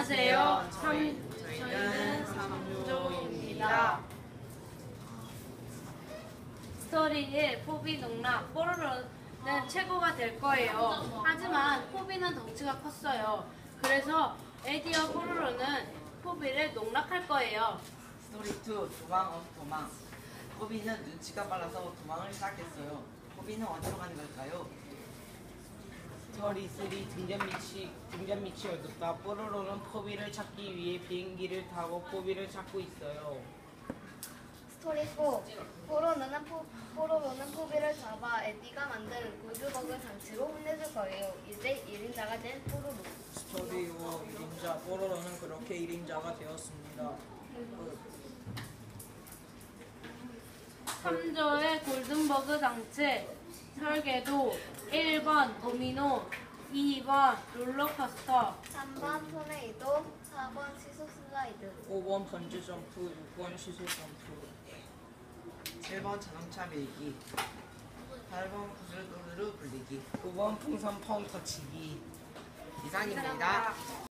안녕하세요. 저희는 삼조입니다. 스토리 1. 포비 농락. 뽀로로는 최고가 될 거예요. 하지만 포비는 덩치가 컸어요. 그래서 에디와 뽀로로는 포비를 농락할 거예요. 스토리 2. 도망. 포비는 눈치가 빨라서 도망을 시작했어요. 포비는 어디로 가는 걸까요? 스토리 3. 등잔 밑이 어둡다. 뽀로로는 포비를 찾기 위해 비행기를 타고 포비를 찾고 있어요. 스토리 4. 뽀로로는 포비를 잡아 에디가 만든 골드버그 장치로 혼내줄 거예요. 이제 1인자가 된 뽀로로. 스토리 5. 1인자. 뽀로로는 그렇게 1인자가 되었습니다. 3조의 골든버그 장치 설계도 1번 도미노, 2번 롤러코스터, 3번 토네이도, 4번 시소 슬라이드. 5번 번지 점프, 6번 시소 점프. 7번 자동차 밀기. 8번 구슬도르르 굴리기. 9번 풍선 펑 터치기. 이상입니다.